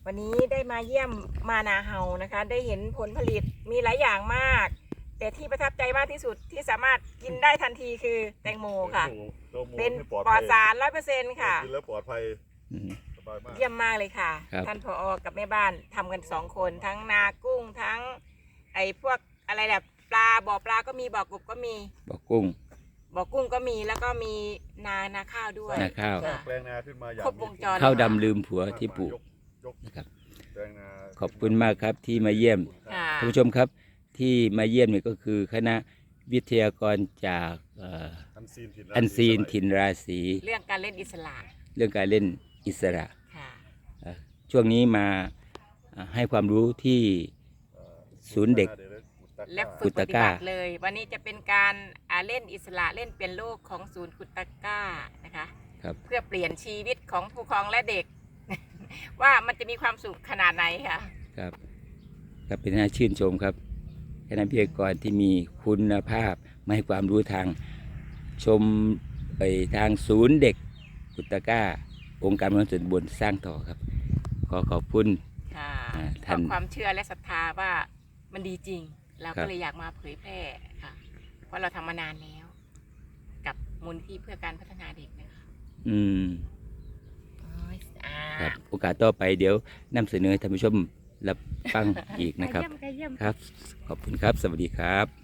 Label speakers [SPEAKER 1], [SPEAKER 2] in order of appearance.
[SPEAKER 1] วันนี้ได้มาเยี่ยมมานาเฮานะคะได้เห็นผลผลิตมีหลายอย่างมาก แต่ที่ประทับใจมากที่สุดที่สามารถกินได้ทันทีคือแตงโมค่ะเป็นปลอดสาร 100% ค่ะ
[SPEAKER 2] กินแล้วปลอดภัยสบายมาก
[SPEAKER 1] เยี่ยมมากเลยค่ะท่านผอ.กับแม่บ้านทำกัน2 คนทั้งนากุ้งทั้งไอ้พวกอะไรแบบปลาบ่อปลาก็มีบ่อกบก็มี
[SPEAKER 3] บ่อกุ้ง
[SPEAKER 1] ก็มีแล้วก็มีนาข้าวด้วย
[SPEAKER 3] นาข้าว
[SPEAKER 2] แปลงนาขึ้นมาอย่าง
[SPEAKER 1] ครบวงจร
[SPEAKER 3] ข้าวดำลืมผัวที่ปลูกนะครับขอบคุณมากครับที่มาเยี่ยมท่านผู้ชมครับที่มาเยี่ยมนี่ก็คือคณะวิทยากรจากอันซีนถิ่นราศี
[SPEAKER 1] เรื่องการเล่นอิสระ
[SPEAKER 3] ช่วงนี้มาให้ความรู้ที่ศูนย์เด็ก
[SPEAKER 1] และฝึกปฏิบัติเลยวันนี้จะเป็นการเล่นอิสระเล่นเปลี่ยนโลกของศูนย์กุตก้านะคะเพื่อเปลี่ยนชีวิตของผู้ปกครองและเด็ก ว่ามันจะมีความสุขขนาดไหนค่ะ
[SPEAKER 3] ครับเป็นน่าชื่นชมครับคณะวิทยากรที่มีคุณภาพมาให้ความรู้ทางชมไปทางศูนย์เด็กกุตก้าองค์การบริหารส่วนตำบลสร้างต่อครับขอบคุณ
[SPEAKER 1] ท่านความเชื่อและศรัทธาว่ามันดีจริงเราก็เลยอยากมาเผยแพร่ค่ะเพราะเราทำมานานแล้วกับมูลนิธิเพื่อการพัฒนาเด็กนะคะ
[SPEAKER 3] ครับโอกาสต่อไปเดี๋ยวนำเสนอท่านผู้ชมรับฟังอีกนะครับครับขอบคุณครับสวัสดีครับ